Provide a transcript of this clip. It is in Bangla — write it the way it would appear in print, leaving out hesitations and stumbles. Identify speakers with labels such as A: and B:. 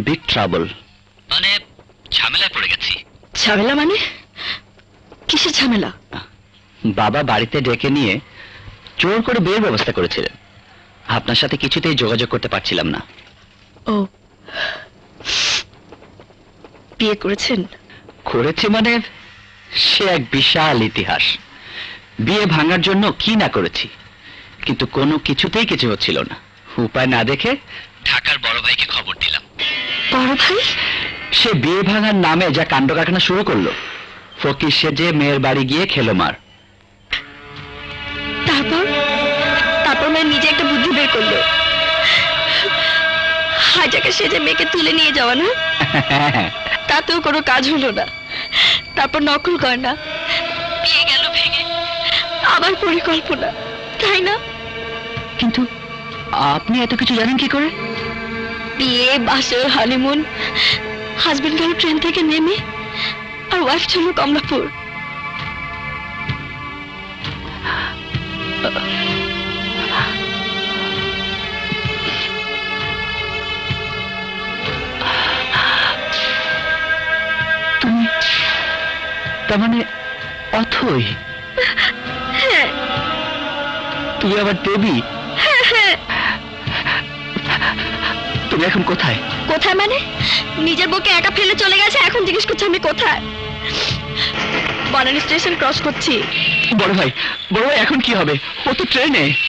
A: Big trouble.
B: মানে ঝামেলায় পড়ে গেছি।
C: ঝামেলা মানে? কিসের ঝামেলা?
A: বাবা বাড়িতে ডেকে নিয়ে জোর করে বিয়ের ব্যবস্থা করেছিলেন। আপনার সাথে কিছুতেই যোগাযোগ করতে পারছিলাম না।
C: ও, বিয়ে করেছেন?
A: করেছি মানে সে এক বিশাল ইতিহাস। বিয়ে ভাঙার জন্য কি না করেছি, কিন্তু কোনো কিছুতেই কিছু হচ্ছিল না। উপায় না দেখে ঢাকার বড় ভাইকে খবর দিলাম।
C: বড় ভাই?
A: সে বিয়ে ভাঙার নামে যা কাণ্ড কারখানা শুরু করলো, ফকির সেজে মেয়ের বাড়ি গিয়ে খেলো মার।
C: তারপর তারপর মেয়ে নিজে একটা বুদ্ধি বের করলো, হাজাকে সেজে মেয়েকে তুলে নিয়ে যাওয়া। না, তাতেও কোনো কাজ হলো না। তারপর নকল গয়না, বিয়ে গেল ভেঙে। আবার পরিকল্পনা, তাই না?
A: কিন্তু আপনি এত কিছু জানেন কি করে?
C: বিয়ে, বাসর, হানিমুন, হাজবেন্ড গেল ট্রেন থেকে নেমে, আর ওয়াইফ ছিল কমলাপুর।
A: তুমি তার মানে অথই?
C: হ্যাঁ।
A: তুমি আবার দেবী?
C: হ্যাঁ।
A: তুমি এখন কোথায়?
C: কোথায় মানে? নিজের বউকে একা ফেলে চলে গেছে, এখন জিজ্ঞেস করছে আমি কোথায়। বনানী স্টেশন ক্রস করছি।
A: বড় ভাই, বড় ভাই এখন কি হবে? ও তো ট্রেনে।